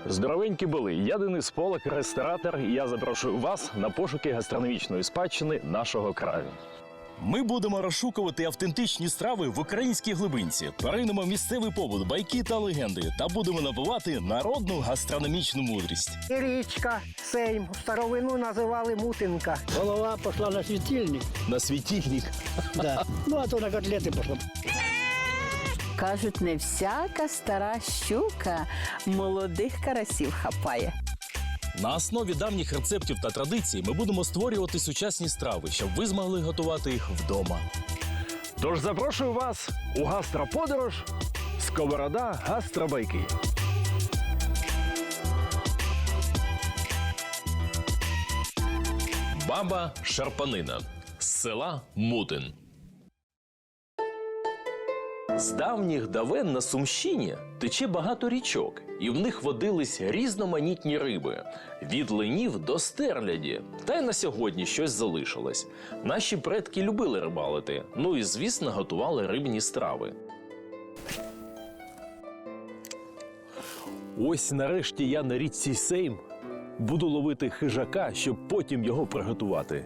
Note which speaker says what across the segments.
Speaker 1: Здоровенькі були! Я Денис Полак, ресторатор, і я запрошую вас на пошуки гастрономічної спадщини нашого краю.
Speaker 2: Ми будемо розшукувати автентичні страви в українській глибинці, перейдемо місцевий побут, байки та легенди та будемо набувати народну гастрономічну мудрість.
Speaker 3: І річка Сейм, в старовину називали Мутинка.
Speaker 4: Голова пошла на светильник.
Speaker 2: На світильник.
Speaker 4: Да. Ну, а то на котлеты пошла.
Speaker 5: Кажуть, не всяка стара щука молодих карасів хапає.
Speaker 2: На основі давніх рецептів та традицій ми будемо створювати сучасні страви, щоб ви змогли готувати їх вдома.
Speaker 1: Тож запрошую вас у гастроподорож «Сковорода гастробайки».
Speaker 2: Баба Шарпанина з села Мутин. З давніх давен на Сумщині тече багато річок, і в них водились різноманітні риби – від ленів до стерляді. Та й на сьогодні щось залишилось. Наші предки любили рибалити, ну і, звісно, готували рибні страви.
Speaker 1: Ось нарешті я на річці Сейм буду ловити хижака, щоб потім його приготувати.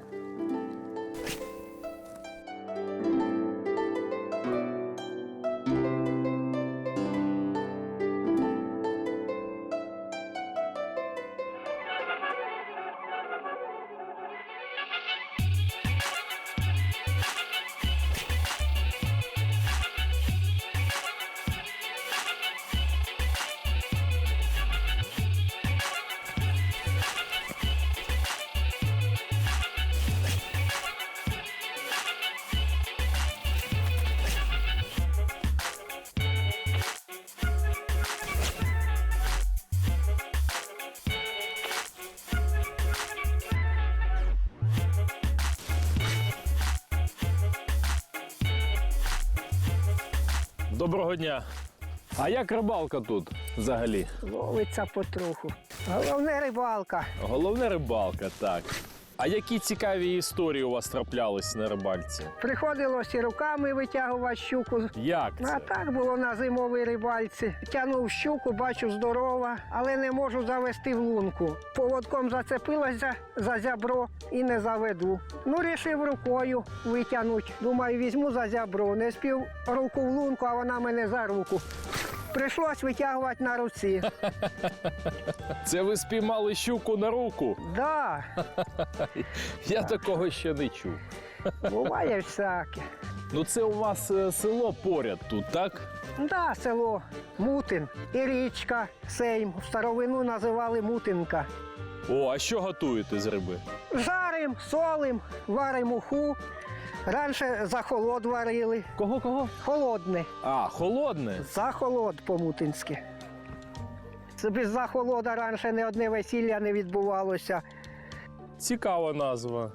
Speaker 1: Доброго дня! А як рибалка тут взагалі?
Speaker 3: Ловиться потроху. Головне рибалка.
Speaker 1: Головне рибалка, так. А які цікаві історії у вас траплялись на рибальці?
Speaker 3: Приходилось і руками витягувати щуку.
Speaker 1: Як
Speaker 3: А
Speaker 1: це?
Speaker 3: так було на зимовій рибальці. Тягнув щуку, бачу здорова, але не можу завести в лунку. Поводком зацепилася за зябро і не заведу. Ну, рішив рукою витягнути. Думаю, візьму за зябро. Не спів руку в лунку, а вона мене за руку. Прийшлось витягувати на руці.
Speaker 1: Це ви спіймали щуку на руку?
Speaker 3: Да,
Speaker 1: Я такого ще не чув.
Speaker 3: буває всяке.
Speaker 1: Ну це у вас село поряд тут, так?
Speaker 3: Да, село Мутин і річка Сейм. В старовину називали Мутинка.
Speaker 1: О, а що готуєте з риби?
Speaker 3: Жарим, солим, варим уху. Раніше за холод варили.
Speaker 1: Кого?
Speaker 3: Холодне.
Speaker 1: А, холодне?
Speaker 3: За холод по-мутинськи. Без захолода раніше не одне весілля не відбувалося.
Speaker 1: Цікава назва.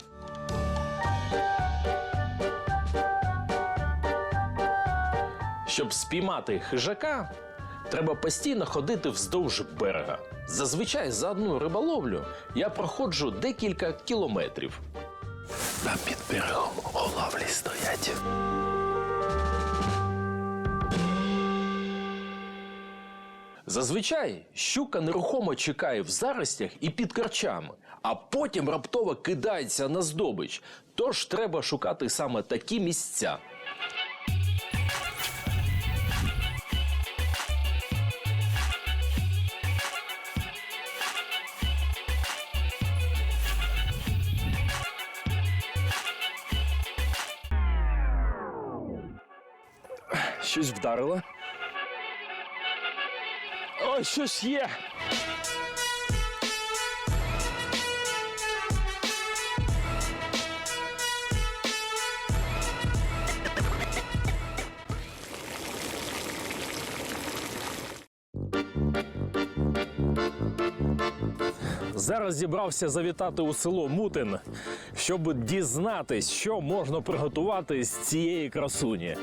Speaker 2: Щоб спіймати хижака, треба постійно ходити вздовж берега. Зазвичай за одну риболовлю я проходжу декілька кілометрів. Там під берегом оловлі стоять. Зазвичай щука нерухомо чекає в заростях і під корчами, а потім раптово кидається на здобич. Тож треба шукати саме такі місця.
Speaker 1: Щось вдарило. Ой, щось є. Зараз зібрався завітати у село Мутин, щоб дізнатись, що можна приготувати з цієї красуні.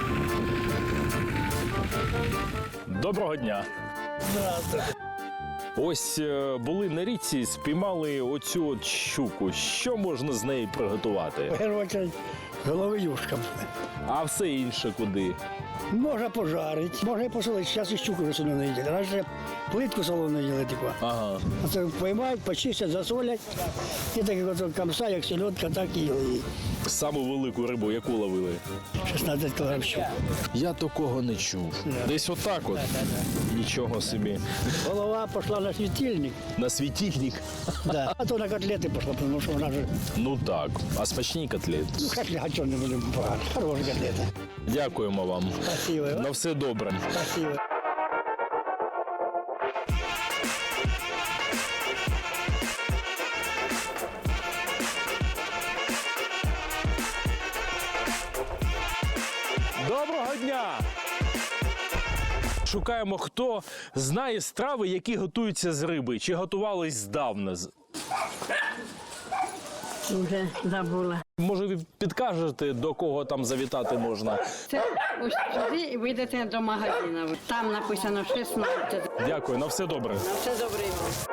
Speaker 1: Доброго дня! Ось були на річці, спіймали оцю от щуку. Що можна з неї приготувати?
Speaker 4: В першу чергу голови юшка.
Speaker 1: А все інше куди?
Speaker 4: Можна пожарити, можна і посолити. Зараз і щуку вже солону не їдять. Раніше плитку солону їли таку.
Speaker 1: Ага.
Speaker 4: Оце поймають, почистять, засолять. І так як от камса, як селедка, так і їли.
Speaker 1: Саму велику рибу, яку ловили?
Speaker 4: 16 кг щук.
Speaker 1: Я такого не чув. Десь отак от. Нічого собі.
Speaker 4: Голова пішла на світильник.
Speaker 1: На світильник?
Speaker 4: Да. А то на котлети пішла, тому що вона вже...
Speaker 1: Ну так. А смачні котлети.
Speaker 4: Ну, котлети, чого не будемо погано. Хороші котлети.
Speaker 1: Дякуємо вам.
Speaker 4: Спасибо.
Speaker 1: На все добре.
Speaker 4: Спасибо.
Speaker 1: Доброго дня! Шукаємо, хто знає страви, які готуються з риби, чи готувались здавна.
Speaker 6: Вже забула.
Speaker 1: Може, ви підкажете, до кого там завітати можна?
Speaker 6: Це ось сюди і вийдете до магазину. Там написано 16.
Speaker 1: Дякую, на все добре.
Speaker 6: Все добре.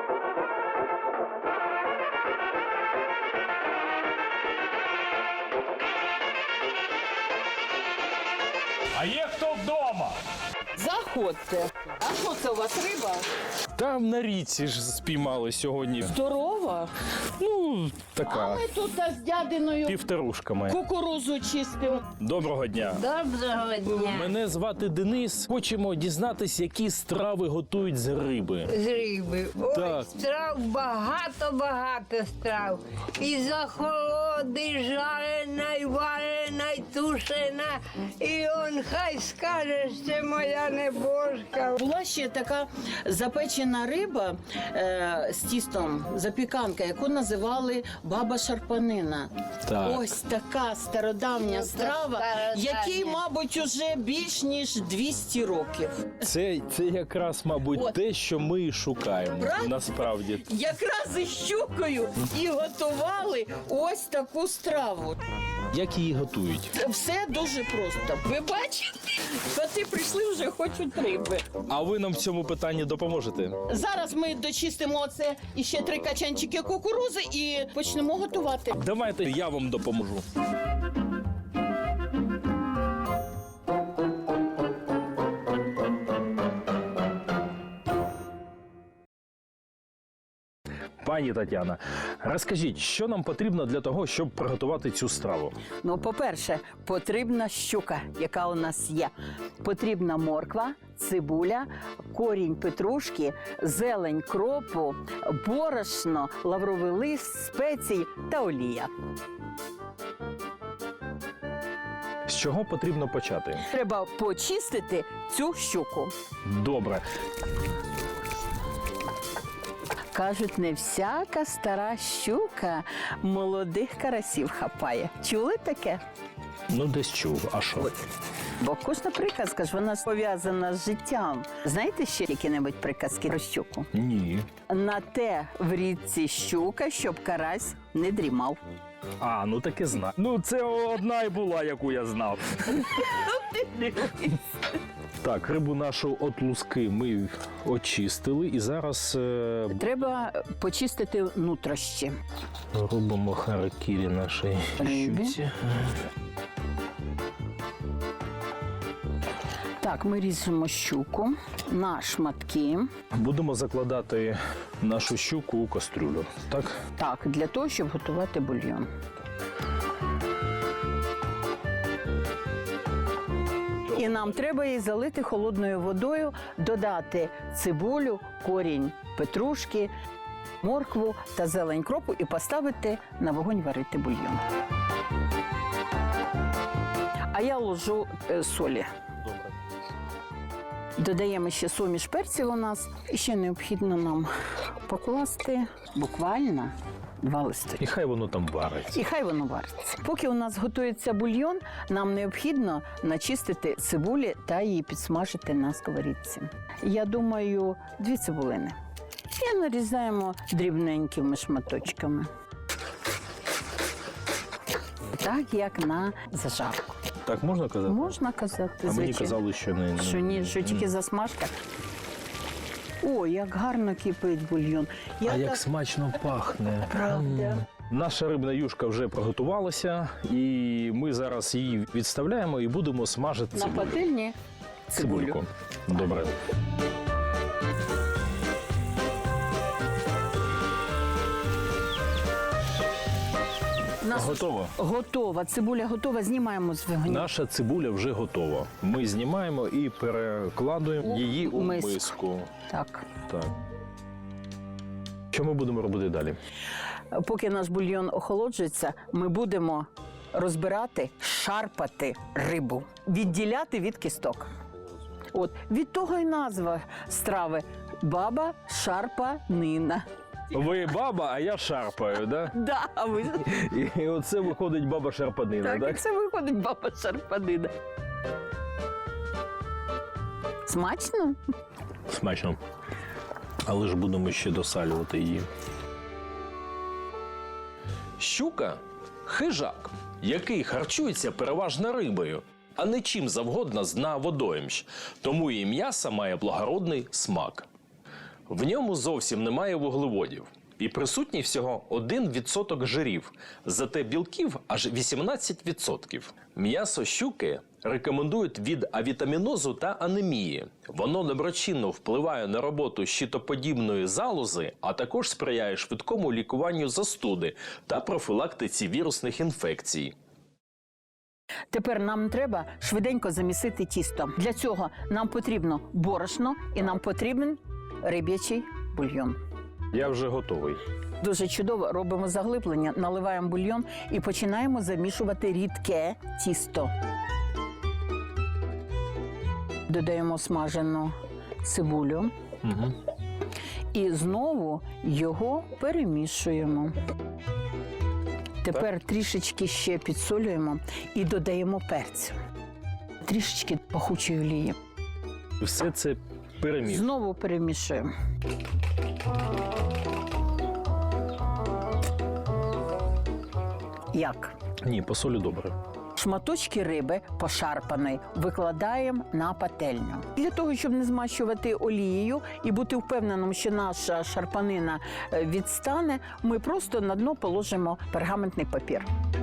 Speaker 1: А є хто вдома?
Speaker 5: Заходьте. А що це у вас риба?
Speaker 1: Там на річці ж спіймали сьогодні.
Speaker 5: Здорова.
Speaker 1: Ну, така,
Speaker 5: Ми тут з дядиною
Speaker 1: півторушками.
Speaker 5: кукурузу чистимо.
Speaker 1: Доброго дня.
Speaker 6: Доброго дня.
Speaker 1: Мене звати Денис. Хочемо дізнатись, які страви готують з риби.
Speaker 7: З риби. Ой,
Speaker 1: Так.
Speaker 7: страв багато страв. І захолоди, і жарена, і варена, і тушена. І он хай скаже, що моя небожка.
Speaker 5: Була ще така запечена риба з тістом, запіканка, яку називали баба шарпанина.
Speaker 1: Так.
Speaker 5: Ось така стародавня страва, якій, мабуть, уже більш ніж 200 років.
Speaker 1: Це якраз, мабуть,
Speaker 5: От.
Speaker 1: те, що ми і шукаємо.
Speaker 5: Правда?
Speaker 1: Насправді.
Speaker 5: Якраз із щукою і готували ось таку страву.
Speaker 1: Як її готують?
Speaker 5: Це все дуже просто. Ви бачите, коти прийшли, вже хочуть риби.
Speaker 1: А ви нам в цьому питанні допоможете?
Speaker 5: Зараз ми дочистимо оце і ще 3 качанчики кукурузи і почнемо готувати.
Speaker 1: Давайте я вам допоможу. Пані Тетяна, розкажіть, що нам потрібно для того, щоб приготувати цю страву?
Speaker 5: Ну, по-перше, потрібна щука, яка у нас є. Потрібна морква, цибуля, корінь петрушки, зелень кропу, борошно, лавровий лист, спеції та олія.
Speaker 1: З чого потрібно почати?
Speaker 5: Треба почистити цю щуку.
Speaker 1: Добре.
Speaker 5: Кажуть, не всяка стара щука молодих карасів хапає. Чули таке?
Speaker 1: Ну, десь чув. А що?
Speaker 5: Бо кожна приказка ж вона пов'язана з життям. Знаєте ще які-небудь приказки про щуку?
Speaker 1: Ні.
Speaker 5: На те в річці щука, щоб карась не дрімав.
Speaker 1: А, ну таки знаю. Ну, це одна і була, яку я знав. Так, рибу нашу от луски ми очистили і зараз
Speaker 5: Треба почистити нутрощі.
Speaker 1: робимо харакірі нашій
Speaker 5: Риби.
Speaker 1: щуці.
Speaker 5: Так, ми ріжемо щуку на шматки.
Speaker 1: Будемо закладати нашу щуку у кастрюлю, так?
Speaker 5: Так, для того, щоб готувати бульйон. І нам треба її залити холодною водою, додати цибулю, корінь петрушки, моркву та зелень кропу і поставити на вогонь варити бульйон. А я ложу солі.
Speaker 1: Добре.
Speaker 5: Додаємо ще суміш перців у нас. І ще необхідно нам покласти буквально 2 листи.
Speaker 1: І хай воно там вариться.
Speaker 5: І хай воно вариться. Поки у нас готується бульйон, нам необхідно начистити цибулі та її підсмажити на сковорідці. Я думаю, 2 цибулини. І нарізаємо дрібненькими шматочками. Так, як на зажарку.
Speaker 1: Так можна казати?
Speaker 5: Можна казати,
Speaker 1: А мені
Speaker 5: звичайно.
Speaker 1: казали, що не.
Speaker 5: Що ні, що тільки засмажка. Ой, як гарно кипить бульйон. Я
Speaker 1: А як
Speaker 5: так-
Speaker 1: смачно пахне.
Speaker 5: Правда.
Speaker 1: Наша рибна юшка вже приготувалася, і ми зараз її відставляємо і будемо смажити
Speaker 5: На
Speaker 1: цибулю.
Speaker 5: пательні
Speaker 1: Цибульку. Добре.
Speaker 5: Нас
Speaker 1: Готово.
Speaker 5: готова. Цибуля готова. Знімаємо з вогню.
Speaker 1: Наша цибуля вже готова. Ми знімаємо і перекладуємо її у
Speaker 5: миску.
Speaker 1: миску.
Speaker 5: Так.
Speaker 1: Так. Що ми будемо робити далі?
Speaker 5: Поки наш бульйон охолоджується, ми будемо розбирати, шарпати рибу, відділяти від кісток. От від того й назва страви баба шарпанина.
Speaker 1: Ви баба, а я шарпаю, да?
Speaker 5: Да, а ви
Speaker 1: І оце виходить баба шарпанина,
Speaker 5: так, і
Speaker 1: так?
Speaker 5: це виходить баба шарпанина. Смачно?
Speaker 1: Смачно. Але ж будемо ще досалювати її.
Speaker 2: Щука – хижак, який харчується переважно рибою, а не чим завгодно з дна водоймщ, тому і м'ясо має благородний смак. В ньому зовсім немає вуглеводів і присутній всього 1% жирів, зате білків аж 18%. М'ясо щуки рекомендують від авітамінозу та анемії. Воно доброчинно впливає на роботу щитоподібної залози, а також сприяє швидкому лікуванню застуди та профілактиці вірусних інфекцій.
Speaker 5: Тепер нам треба швиденько замісити тісто. Для цього нам потрібно борошно і нам потрібен риб'ячий бульйон.
Speaker 1: Я вже готовий.
Speaker 5: Дуже чудово робимо заглиблення, наливаємо бульйон і починаємо замішувати рідке тісто. Додаємо смажену цибулю
Speaker 1: Угу.
Speaker 5: і знову його перемішуємо. Тепер трішечки ще підсолюємо і додаємо перцю. Трішечки пахучої олії.
Speaker 1: Все це переміг.
Speaker 5: Знову перемішуємо. Як?
Speaker 1: Ні, по солі добре.
Speaker 5: Шматочки риби пошарпаної викладаємо на пательню. Для того, щоб не змащувати олією і бути впевненим, що наша шарпанина відстане, ми просто на дно положимо пергаментний папір.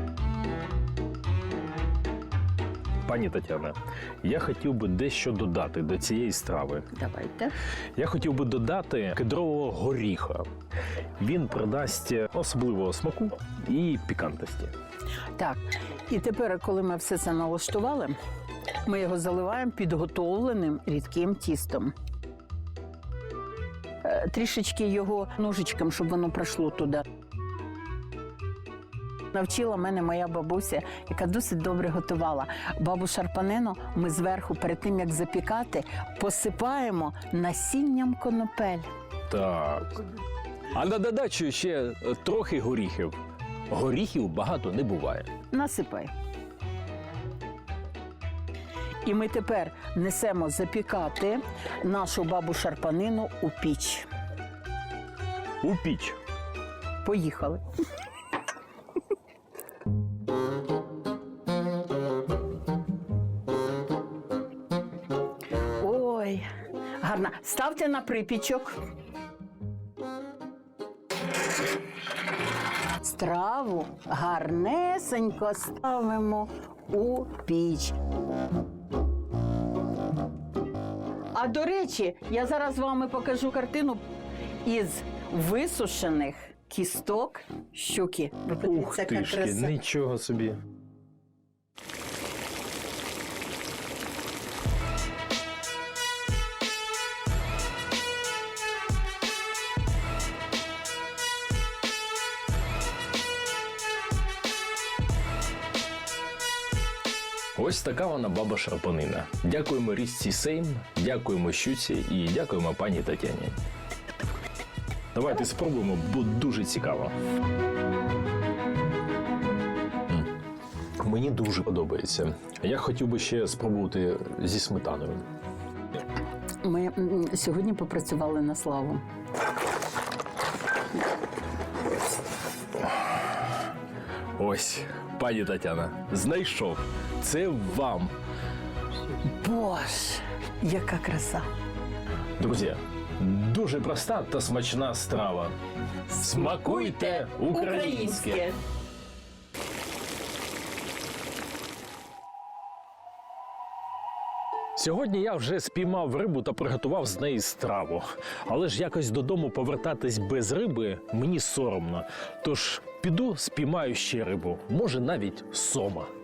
Speaker 1: Пані Тетяна, я хотів би дещо додати до цієї страви.
Speaker 5: Давайте.
Speaker 1: Я хотів би додати кедрового горіха. Він придасть особливого смаку і пікантності.
Speaker 5: Так, і тепер, коли ми все це налаштували, ми його заливаємо підготовленим рідким тістом. Трішечки його ножичком, щоб воно пройшло туди. Навчила мене моя бабуся, яка досить добре готувала. Бабу шарпанину ми зверху, перед тим, як запікати, посипаємо насінням конопель.
Speaker 1: Так. А на додачу ще трохи горіхів. Горіхів багато не буває.
Speaker 5: Насипай. І ми тепер несемо запікати нашу бабу шарпанину у піч.
Speaker 1: У піч.
Speaker 5: Поїхали. Ой, гарна. Ставте на припічок. Страву гарнесенько ставимо у піч. А до речі, я зараз вам покажу картину із висушених кісток щуки. Ви
Speaker 1: Ух
Speaker 5: подивіться, яка
Speaker 1: ти ж,
Speaker 5: краса.
Speaker 1: нічого собі. Ось така вона баба шарпанина. Дякуємо річці Сейм, дякуємо щуці і дякуємо пані Тетяні. Давайте спробуємо, бо дуже цікаво. Мені дуже подобається. Я хотів би ще спробувати зі сметаною.
Speaker 5: Ми сьогодні попрацювали на славу.
Speaker 1: Ось, пані Тетяна, знайшов. Це вам.
Speaker 5: Боже, яка краса!
Speaker 1: Друзі, Дуже проста та смачна страва. Смакуйте українське! Сьогодні я вже спіймав рибу та приготував з неї страву. Але ж якось додому повертатись без риби мені соромно. Тож піду спіймаю ще рибу, може навіть сома.